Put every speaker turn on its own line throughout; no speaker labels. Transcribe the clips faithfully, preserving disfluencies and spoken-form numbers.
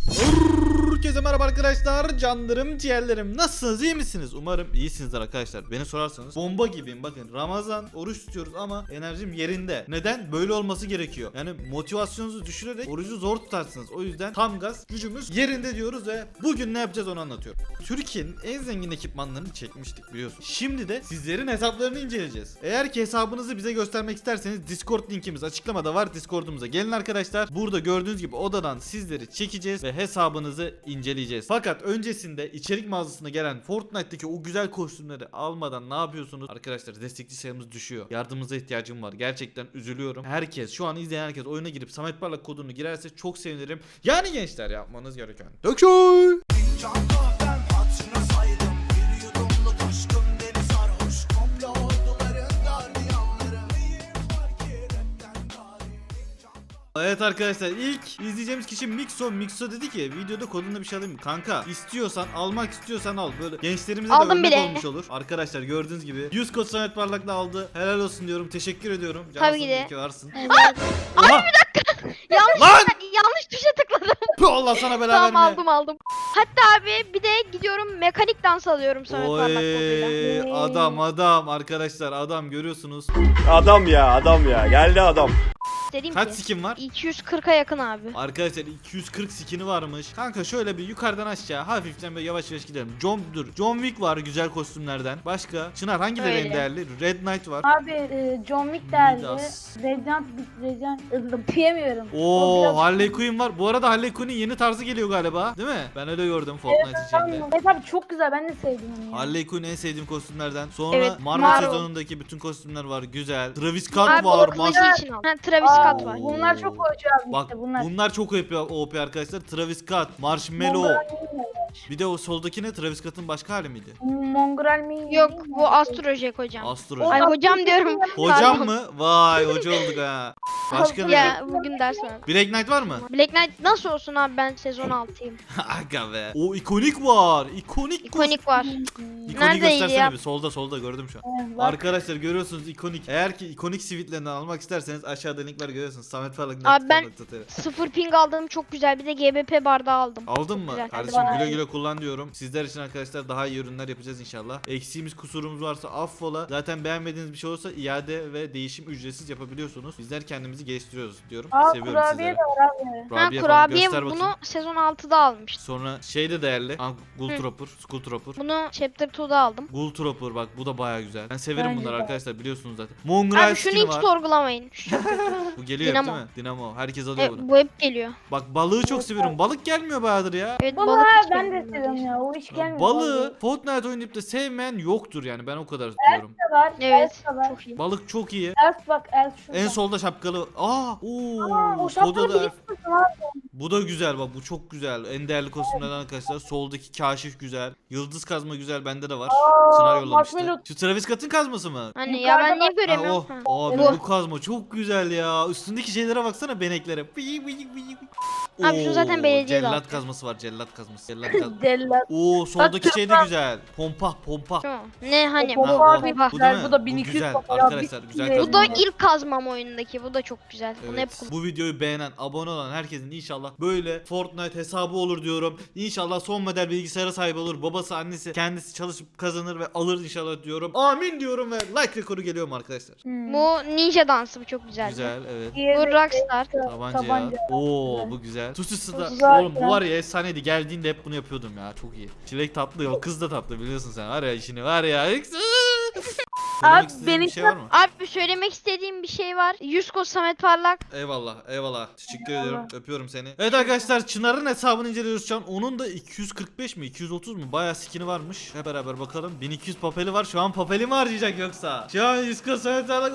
Herkese merhaba arkadaşlar, canlarım, ciğerlerim. Nasılsınız, iyi misiniz? Umarım iyisinizdir arkadaşlar. Beni sorarsanız bomba gibiyim. Bakın, Ramazan, oruç tutuyoruz ama enerjim yerinde. Neden? Böyle olması gerekiyor. Yani motivasyonunuzu düşürerek orucu zor tutarsınız. O yüzden tam gaz, gücümüz yerinde diyoruz ve bugün ne yapacağız onu anlatıyorum. Türkiye'nin en zengin ekipmanlarını çekmiştik biliyorsunuz. Şimdi de sizlerin hesaplarını inceleyeceğiz. Eğer ki hesabınızı bize göstermek isterseniz Discord linkimiz açıklamada var. Discord'umuza gelin arkadaşlar. Burada gördüğünüz gibi odadan sizleri çekeceğiz ve hesabınızı inceleyeceğiz. Fakat öncesinde içerik mağazasına gelen Fortnite'daki o güzel kostümleri almadan ne yapıyorsunuz? Arkadaşlar destekçi sayımız düşüyor. Yardımınıza ihtiyacım var. Gerçekten üzülüyorum. Herkes, şu an izleyen herkes oyuna girip Samet Parlak kodunu girerse çok sevinirim. Yani gençler, yapmanız gereken Döküy! Evet arkadaşlar, ilk izleyeceğimiz kişi Mixo. Mixo dedi ki videoda kodunda bir şey alayım mı? Kanka, istiyorsan, almak istiyorsan al. Böyle gençlerimize
Aldım
de örnek
bile.
olmuş olur. Arkadaşlar gördüğünüz gibi yüz kod Samet Parlak'la aldı. Helal olsun diyorum. Teşekkür ediyorum.
Tabii ki de.
Ki varsın.
Evet.
Oha!
yanlış,
Lan!
yanlış tuşa tıkladım.
Puh, Allah sana bela
Tamam,
verme.
aldım aldım. Hatta abi bir de gidiyorum mekanik dans alıyorum Samet Parlak koduyla.
Oy, adam adam arkadaşlar, adam görüyorsunuz.
Adam ya adam ya geldi adam.
Dedim
Kaç
ki
skin var?
iki yüz kırka yakın abi.
Arkadaşlar iki yüz kırk skin'i varmış. Kanka şöyle bir yukarıdan aşağı hafiften böyle yavaş yavaş gidelim. John dur. John Wick var güzel kostümlerden. Başka? Çınar hangileri en
Öyle.
değerli? Red Knight var.
Abi e, John Wick derdi.
Midas.
Radiant, Radiant, diyemiyorum. O
Oo,
biraz-
Harley Quinn var. Bu arada Harley Quinn'in yeni tarzı geliyor galiba. Değil mi? Ben öyle gördüm Fortnite içinde.
Evet abi çok güzel, ben de sevdim onu ya.
Harley Quinn en sevdiğim kostümlerden. Sonra
Evet,
Marvel,
Marvel.
sezonundaki bütün kostümler var. Güzel. Travis Scott
Abi
var.
o kılıcı
Mas-
için al. Ha, Travis
Aa,
Scott var.
Bunlar çok oyuncu abi
Bak
işte bunlar.
bunlar çok O P, O P arkadaşlar. Travis Scott, Marshmallow. Bir de o soldaki ne? Travis Scott'ın başka hali miydi?
Mongral mi?
Yok, bu Astrojek hocam.
Astro.
Ay hocam diyorum.
Hocam
Pardon.
mı? Vay, hoca olduk ha. Başka ne?
Ya bugün ders var.
Black Knight var mı?
Black Knight nasıl olsun abi, ben sezon altıyım.
Aga be. O ikonik var. İkonik.
İkonik var.
İkonik
Neredeydi
göstersene
ya?
bir. Solda solda gördüm şu an.
Evet, bak.
Arkadaşlar görüyorsunuz ikonik. Eğer ki ikonik sivitlerinden almak isterseniz aşağıda link var, görüyorsunuz. Samet Parlak.
Abi ben- Sıfır ping aldım, çok güzel. Bir de G B P bardağı aldım.
Aldın mı?
güzel.
Kardeşim
Hadi
güle
bana.
güle kullan diyorum. Sizler için arkadaşlar daha iyi ürünler yapacağız inşallah. Eksiğimiz, kusurumuz varsa affola. Zaten beğenmediğiniz bir şey olursa iade ve değişim ücretsiz yapabiliyorsunuz. Bizler kendimizi geliştiriyoruz diyorum.
Aa,
Seviyorum
kurabiye
sizleri.
de var abi.
Ha,
Kurabiye falan.
kurabiye
Göster
bunu
bakayım.
sezon altıda almıştım.
Sonra şey de değerli. Ha, Ghoul
Hı.
Trooper, Skull Trooper.
Bunu Chapter iki'da aldım.
Ghoul Trooper bak, bu da baya güzel. Ben severim
Bence
bunları
de.
arkadaşlar, biliyorsunuz zaten. Mongrel
Abi şunu
skin'i
hiç
var.
sorgulamayın. Şu-
Bu geliyor hep
Dinamo.
değil mi? Dinamo. Herkes alıyor
E,
bunu.
bu hep geliyor.
Bak balığı çok seviyorum. Balık gelmiyor bayağıdır ya.
Evet,
Balığı
balık hiç
ben de
beğenmedim
seviyorum
neredeyse.
ya. O hiç
Ya
gelmiyor.
balığı Fortnite oynayıp da sevmeyen yoktur yani, ben o kadar diyorum.
Elf de var.
Evet.
Elf de var.
Çok iyi.
Balık çok iyi.
Elf bak, Elf şurada.
En solda şapkalı. Aa,
Aa,
ooo.
o
Soda
şapkalı
da Elf.
biliyorsun abi.
Bu da güzel bak, bu çok güzel. En değerli kostümlerden arkadaşlar. Soldaki kaşif güzel. Yıldız kazma güzel, bende de var. Çınar yollamıştı.
Marshmallow.
Şu Travis Scott'ın kazması mı?
Hani ya ben niye
Ha,
göremiyorum?
o.
Ha.
Abi
Bu.
bu kazma çok güzel ya. Üstündeki şeylere baksana, beneklere. Bıyık bıyık bıyık.
Abi şu zaten
Oo,
belediyede
Cellat
aldı.
kazması var, cellat kazması. Cellat kazması.
Cellat.
Oo, soldaki
Bak,
şey de
kırmızı.
güzel. Pompa pompa.
Şu mu? Ne hani?
O
Ha,
pompa
o.
abi
Bak.
Bu değil mi?
güzel, bu da bin iki yüz
güzel
pompa ya,
arkadaşlar,
bir-
güzel
bir-
Bu da
kazma.
ilk kazmam oyundaki. Bu da çok güzel. Bunu hep
Evet, bu videoyu beğenen, abone olan herkesin inşallah böyle Fortnite hesabı olur diyorum. İnşallah son model bilgisayara sahip olur. Babası, annesi, kendisi çalışıp kazanır ve alır inşallah diyorum. Amin diyorum ve like rekoru geliyor mu arkadaşlar?
Hmm.
Bu ninja dansı, bu çok güzeldi.
Güzel, evet.
Diğeri
Bu
de-
Rockstar.
Tabanca.
Tabanca.
Oo,
Güzel.
bu güzel. Tutusu da.
Tutusu da
Oğlum bu
güzel.
var ya, efsaneydi. Geldiğinde hep bunu yapıyordum ya. Çok iyi. Çilek tatlı, o kız da tatlı, biliyorsun sen. Var ya işini, var ya. Söylemek
Abi,
istediğin
benim-
bir şey var mı?
Abi söylemek istediğim bir şey var. yüz kod Samet Parlak.
Eyvallah, eyvallah. Teşekkür
Eyvallah.
ediyorum. Öpüyorum seni. Evet arkadaşlar, Çınar'ın hesabını inceliyoruz şu an. Onun da iki yüz kırk beş mi, iki yüz otuz mu? Bayağı skin'i varmış. Hep beraber bakalım. bin iki yüz papeli var. Şu an papeli mi harcayacak yoksa? Şu an yüz kod Samet Parlak.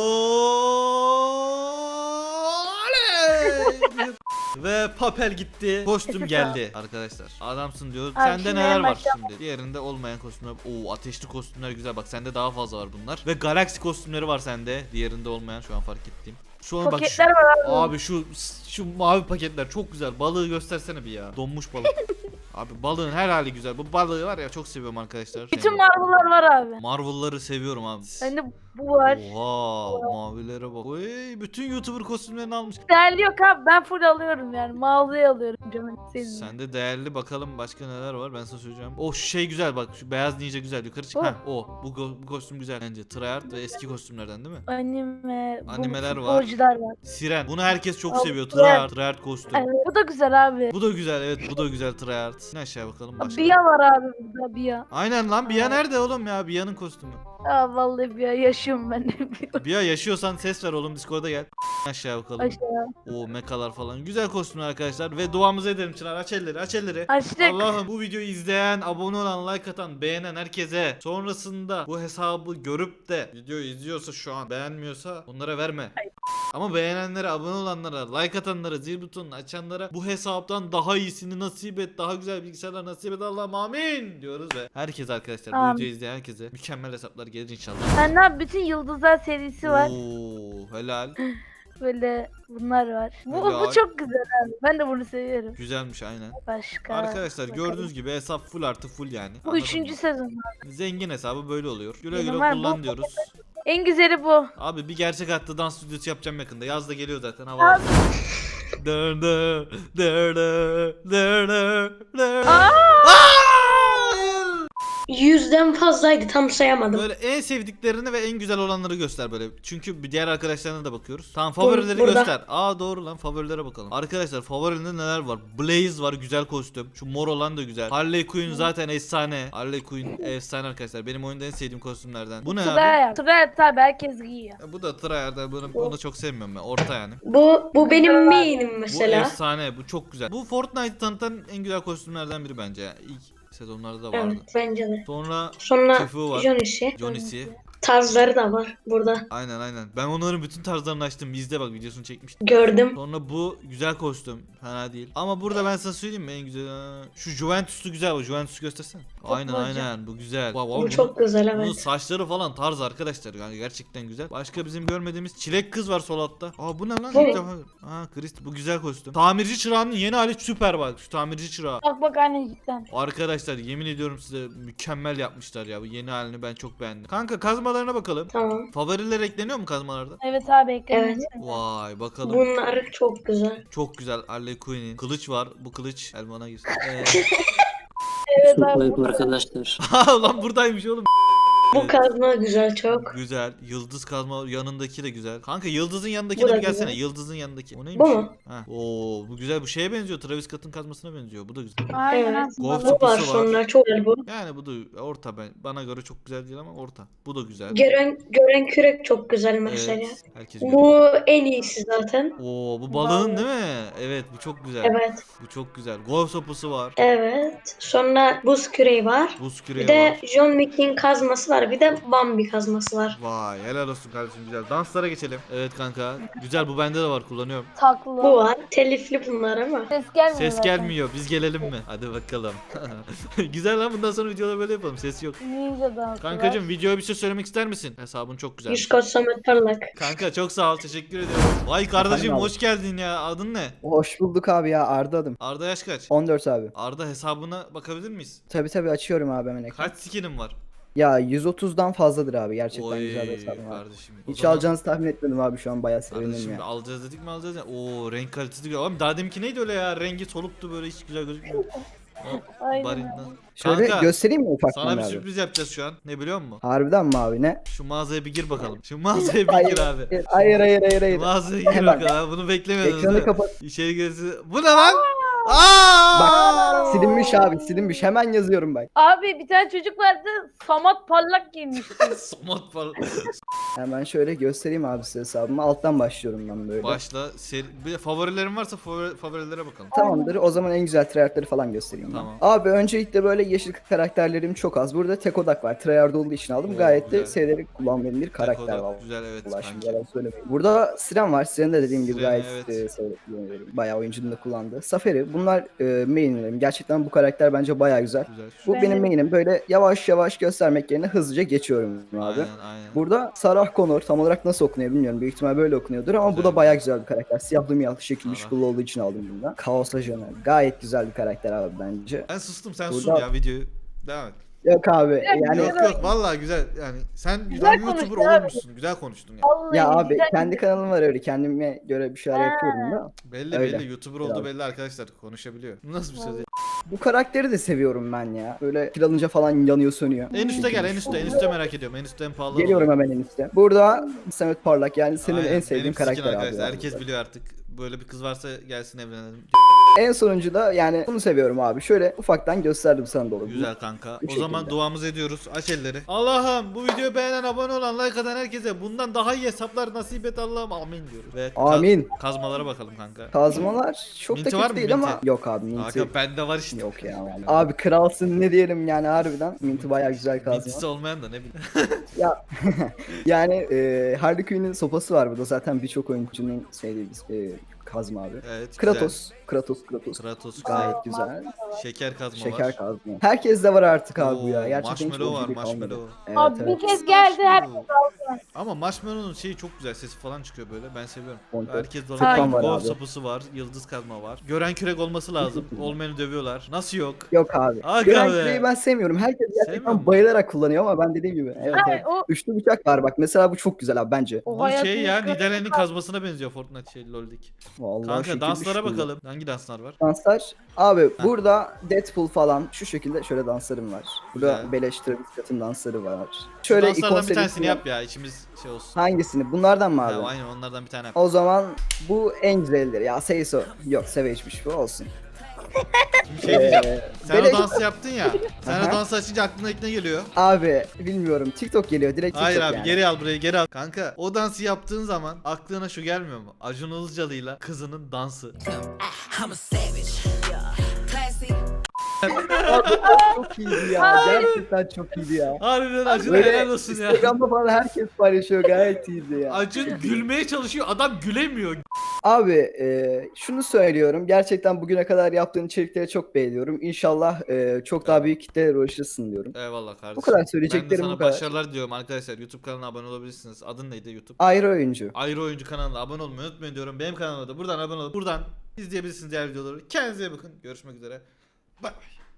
Oley! Ve papel gitti. Kostüm geldi arkadaşlar. Adamsın diyoruz.
Abi
Sende
şimdi
neler
en
var
başta-
şimdi? Diğerinde olmayan kostümler. Oo, ateşli kostümler güzel. Bak sende daha fazla var bunlar. Ve galaksi kostümleri var sende. Diğerinde olmayan, şu an fark ettiğim. Şu an bak şu,
Paketler var abi.
abi şu şu mavi paketler çok güzel. Balığı göstersene bir ya. Donmuş balık. Abi balığın her hali güzel. Bu balığı var ya, çok seviyorum arkadaşlar.
Bütün
Yani
Marvel'lar var abi.
Marvel'ları seviyorum abi.
Ben de Bu var.
Oha mavilere bak. Oy, bütün YouTuber kostümlerini almış.
Değerli yok abi. Ben full alıyorum yani. Mağazaya alıyorum canım. Senin.
Sende değerli bakalım başka neler var ben sana söyleyeceğim. Oh şu şey güzel bak şu beyaz ninja güzel yukarı çık.
Oh.
Heh, o bu, ko- bu kostüm güzel bence. Tryhard ve eski kostümlerden değil mi?
Anime. bu
Animeler var.
futbolcular var.
Siren. Bunu herkes çok
Al,
seviyor.
Tryhard.
Tryhard. Tryhard kostüm.
Evet, bu da güzel abi.
Bu da güzel evet bu da güzel Tryhard. Yine aşağı bakalım başka.
Bia var abi burada Bia.
Aynen lan Bia nerede oğlum ya? Bia'nın kostümü.
Aa vallahi Bia yaşıyorum ben de.
Bia yaşıyorsan ses ver oğlum Discord'a gel. Aşağı bakalım.
Aşağı.
O mekalar falan. Güzel kostümler arkadaşlar. Ve duamızı edelim Çınar. Aç elleri aç elleri.
Açtık.
Allah'ım bu videoyu izleyen, abone olan, like atan, beğenen herkese sonrasında bu hesabı görüp de videoyu izliyorsa şu an beğenmiyorsa onlara verme. Ama beğenenlere, abone olanlara, like atanlara, zil butonunu açanlara bu hesaptan daha iyisini nasip et, daha güzel bilgisayarlar nasip et Allah'ım amin diyoruz ve herkes arkadaşlar bu
Amin.
videoyu izleyen herkese mükemmel hesaplar gelir inşallah.
Sen ne yap- bütün Yıldızlar serisi var.
Oo helal.
Böyle bunlar var. Bu,
Helal.
bu çok güzel abi. Ben de bunu seviyorum.
Güzelmiş aynen.
Başka.
Arkadaşlar
bakalım.
gördüğünüz gibi hesap full artı full yani.
Bu
Anladın
üçüncü
mı?
sezon.
Zengin hesabı böyle oluyor. Güle
Benim
güle
var, bu-
kullan diyoruz.
En güzeli bu.
Abi bir gerçek hayatta dans stüdyosu yapacağım yakında. Yaz da geliyor zaten hava.
Abi.
Dır dır, dır dır, dır dır, dır.
Aa!
Hayır.
Yüzden fazlaydı tam sayamadım.
Böyle en sevdiklerini ve en güzel olanları göster böyle. Çünkü bir diğer arkadaşlarına da bakıyoruz. Tamam favorileri
Burada.
göster. Aa doğru lan favorilere bakalım. Arkadaşlar favorilerinde neler var? Blaze var güzel kostüm. Şu mor olan da güzel. Harley Quinn zaten efsane. Harley Quinn efsane arkadaşlar. Benim oyunda en sevdiğim kostümlerden. Bu ne abi?
Tryhard. Tryhard tabi herkes giyiyor.
Ya bu da Tryhard'da bunu, bunu çok sevmiyorum ben. Orta yani.
Bu bu benim main'im
Bu
mesela.
efsane. Bu çok güzel. Bu Fortnite'ı tanıtan en güzel kostümlerden biri bence. ya. İlk sezonlarda da vardı.
Evet bence de.
Sonra
Sonra
Tifu var.
Johnny'si.
Johnny'si.
Tarzları da var burada.
Aynen aynen. Ben onların bütün tarzlarını açtım. İzle bak videosunu çekmiştim.
Gördüm.
Sonra bu güzel kostüm. Fena değil. Ama burada ben sana söyleyeyim mi en güzel. Şu Juventus'u güzel bak. Juventus'u göstersene. Aynen
Futbolcu.
aynen. Bu güzel. Wow, wow,
Bu
bunun-
çok güzel
Bunun
evet.
saçları falan tarz arkadaşlar. Yani gerçekten güzel. Başka bizim görmediğimiz çilek kız var sol altta. Aa bu ne lan?
Bu
İlk
ne?
defa. Aa Christ bu güzel kostüm. Tamirci çırağının yeni hali süper bak. Şu tamirci çırağı.
Bak bak anne cidden.
Arkadaşlar yemin ediyorum size mükemmel yapmışlar ya. Bu yeni halini ben çok beğendim. Kanka kazmalarına bakalım.
Tamam.
Favoriler ekleniyor mu kazmalarda?
Evet abi ekledim.
Evet.
Vay bakalım.
Bunlar çok güzel.
Çok güzel Harley Quinn'in. Kılıç var. Bu kılıç Elman'a girsin. Ee...
Evet abi.
Selamünaleyküm arkadaşlar.
Ha lan buradaymış oğlum.
Bu
Evet.
kazma güzel çok.
Güzel. Yıldız kazma yanındaki de güzel. Kanka yıldızın
Bu
yanındakine
da
bir gelsene.
güzel.
Yıldızın yanındaki. O neymiş?
Bu mu?
Ha. Oo bu güzel. Bu şeye benziyor. Travis Scott'ın kazmasına benziyor. Bu da güzel.
Aynen
Evet.
aslında.
Golf
Bu var
topusu var.
sonra çok güzel bu.
Yani bu da orta ben. Bana göre çok güzel değil ama orta. Bu da güzel.
Gören gören kürek çok güzel mesela.
Evet. Herkes görüyor.
Bu en iyisi zaten.
Oo bu balığın değil mi? Evet bu çok güzel.
Evet.
Bu çok güzel. Golf sopusu var.
Evet. Sonra buz küreği var.
Buz küreği
Bir de
var.
John Wick'in kazması var. Bir de Bambi kazması var.
Vay helal olsun kardeşim güzel. Danslara geçelim. Evet kanka. Güzel bu bende de var kullanıyorum.
Taklı.
Bu var. Telifli bunlar ama.
Ses gelmiyor
Ses
zaten.
gelmiyor. Biz gelelim mi? Hadi bakalım. Güzel lan bundan sonra videoda böyle yapalım. Ses yok.
Ninja dansı
Kankacım
var.
videoya bir şey söylemek ister misin? Hesabın çok güzel.
Yüzkoç Samet Parlak.
Kanka çok sağ ol. Teşekkür ediyorum. Vay kardeşim
Efendim abi?
hoş geldin ya. Adın ne?
Hoş bulduk abi ya, Arda adım.
Arda yaş kaç?
on dört abi.
Arda hesabına bakabilir miyiz?
Tabi tabi açıyorum abi hemen ekran.
Kaç skinin var?
Ya yüz otuzdan fazladır abi, gerçekten
Oy
güzel bir hesabım abi.
kardeşim. O
Hiç
zaman-
alacağınızı tahmin etmedim abi, şu an bayağı sevindim
Kardeşim
ya.
alacağız dedik mi alacağız ya. Oo renk kalitesi güzel. Abi daha deminki neydi öyle ya? Rengi soluktu böyle hiç güzel gözükmüyor.
Aynen.
Barinden.
Şöyle
Kanka,
göstereyim mi ufaktan
Sana bir
abi?
sürpriz yapacağız şu an. Ne biliyor musun?
Harbiden mi abi, ne?
Şu mağazaya bir gir bakalım. Şu mağazaya bir
Hayır,
gir abi.
hayır hayır hayır hayır.
Mağazaya gir
Hemen.
bakalım. abi. Bunu beklemiyordunuz
Ekranı
değil mi?
kapat.
İçeri giresi. Bu ne lan? Aa!
Bak silinmiş abi, silinmiş, hemen yazıyorum bak.
Abi bir tane çocuk vardı. Samat parlak giymişti.
Somut var.
Hemen şöyle göstereyim abi size hesabımı. Alttan başlıyorum ben böyle.
Başla. Seri... Bir de favorilerin varsa favori... favorilere bakalım.
Tamamdır. O zaman en güzel tryhardları falan göstereyim ben.
Tamam.
Abi öncelikle böyle yeşil karakterlerim çok az. Burada tek odak var. Tryhard olduğu için aldım.
Oo,
Gayet de
güzel.
severek kullandığım bir karakter
Dekoda.
var.
Güzel evet
Allah şimdi
kanki.
yalan söylemeyin. Burada Siren var. Siren de dediğim gibi
Siren,
gayet
evet.
e, severek kullanıyorum. Bayağı oyuncunun da kullandığı. Safari. Bunlar e, mainlerim. Gerçekten bu karakter bence bayağı güzel.
Güzel.
Bu
Ben
benim
de-
main'im. Böyle yavaş yavaş göstermek yerine hızlıca geçiyorum abi.
Aynen aynen.
Burada Sarah Connor, tam olarak nasıl okunuyor bilmiyorum. Büyük ihtimal böyle okunuyordur ama bu
Güzel.
da bayağı güzel bir karakter. Siyahlı miyahlı şekilli
Sarah.
şıklı olduğu için aldım bundan. Kaos Ajanı. Gayet güzel bir karakter abi bence.
Ben sustum sen
Burada-
sun ya videoyu. Devam et.
Yok abi yani
Yok yok vallahi güzel yani sen güzel
Güzel
bir YouTuber
konuştun abi.
olmuşsun. Güzel konuştun ya.
Vallahi
ya abi
güzel-
kendi kanalım var öyle kendime göre bir şeyler
Ha.
yapıyorum da.
Belli
Öyle.
belli YouTuber olduğu
Biraz.
belli arkadaşlar konuşabiliyor. Bu nasıl bir söz ya?
Bu karakteri de seviyorum ben ya. Böyle kill alınca falan yanıyor sönüyor.
En üste gel en üste en üste merak ediyorum. En üstte en pahalı. olan.
Geliyorum hemen en üstte. Burada Samet Parlak yani senin
Aynen,
en sevdiğin
benim sikin
karakter abi.
arkadaşlar.
yani.
Herkes biliyor artık. Böyle bir kız varsa gelsin evlenelim.
En sonuncu da yani bunu seviyorum abi. Şöyle ufaktan gösterdim sana da olur.
Güzel kanka.
Bu
O zaman
şekilde.
duamızı ediyoruz. Aç elleri. Allah'ım bu videoyu beğenen, abone olan, like atan herkese bundan daha iyi hesaplar nasip et Allah'ım. Amin diyoruz. Ve ka-
Amin.
kazmalara bakalım kanka.
Kazmalar çok
Minti
da
var
kötü
mı,
değil ama
minti?
yok abi minti.
Kanka bende var işte.
Yok ya vallahi. Abi kralsın ne diyelim yani harbiden. Minti bayağı güzel
Mintisi
kazma.
olmayan da ne bileyim.
Ya yani e, Harley Quinn'in sopası var burada zaten birçok oyuncunun sevdiği bir e, kazma abi.
Evet.
Kratos, Kratos, Kratos.
Güzel. Kratos
Gayet
güzel.
güzel.
Şeker kazma
Şeker
var.
kazma. Herkes de var artık abi bu ya.
Oo,
Gerçekten hiç
marshmallow var,
oyunculuk kalmadı.
marshmallow.
Evet,
Abi
evet.
bir kez geldi her
Ama Marshmallow'un şeyi çok güzel, sesi falan çıkıyor böyle. Ben seviyorum.
Monte.
Herkes de
Sultan
olabilir.
var
Gol
abi.
sapısı var, yıldız kazma var. Gören kürek olması lazım. Olmayanı dövüyorlar. Nasıl yok?
Yok abi.
Aga
Gören
be.
küreği ben sevmiyorum. Herkes
Sevmiyor
gerçekten
musun?
bayılarak kullanıyor ama ben dediğim gibi. Evet,
Ay,
evet.
o-
Üçlü bıçak var bak. Mesela bu çok güzel abi bence.
O
Bu şey
hayatımın
ya,
kırmızı
Nidalen'in kazmasına benziyor Fortnite şey LoL'deki.
Vallahi
Kanka
şekilli
danslara
şükürlü.
bakalım. Hangi danslar var?
Danslar. Abi burada Deadpool falan şu şekilde şöyle danslarım var. Burada
Güzel.
beleş Travis Scott'ın dansları var.
Şu
Şöyle
danslardan bir
ikon
tanesini
serisi
yap ya, içimiz şey olsun.
Hangisini? Bunlardan mı abi?
Ya, aynen onlardan bir tane yap.
O zaman bu en güzelleri. Ya Seiso. Yok Savage'miş bu olsun.
Şimdi şey diyeceğim.
Ee,
Sen
beleş-
o dansı yaptın ya. Sen o
Aha.
dansı açınca aklına ilk ne geliyor?
Abi bilmiyorum. TikTok geliyor. Direkt TikTok
Hayır abi
yani.
geri al burayı geri al. Kanka o dansı yaptığın zaman aklına şu gelmiyor mu? Acun Ilıcalı'yla kızının dansı.
I'm a savage. Classy.
Abi, çok iyiydi ya. Gerçekten çok iyiydi ya.
Harbiden Acun'a
Böyle
helal olsun ya.
Instagram'da falan herkes paylaşıyor. Gayet iyiydi ya.
Acun gülmeye çalışıyor, adam gülemiyor.
Abi e, şunu söylüyorum. Gerçekten bugüne kadar yaptığın içerikleri çok beğeniyorum. İnşallah e, çok daha büyük kitlelere ulaşırsın diyorum.
Eyvallah kardeşim.
Bu kadar
Ben de
söyleyeceklerim
sana
bu kadar.
başarılar diliyorum arkadaşlar. YouTube kanalına abone olabilirsiniz. Adın neydi YouTube?
Ayrı oyuncu.
Ayrı Oyuncu kanalına abone olmayı unutmayın diyorum. Benim kanalıma da buradan abone olup buradan izleyebilirsiniz diğer videoları. Kendinize iyi bakın. Görüşmek üzere. Bye bye.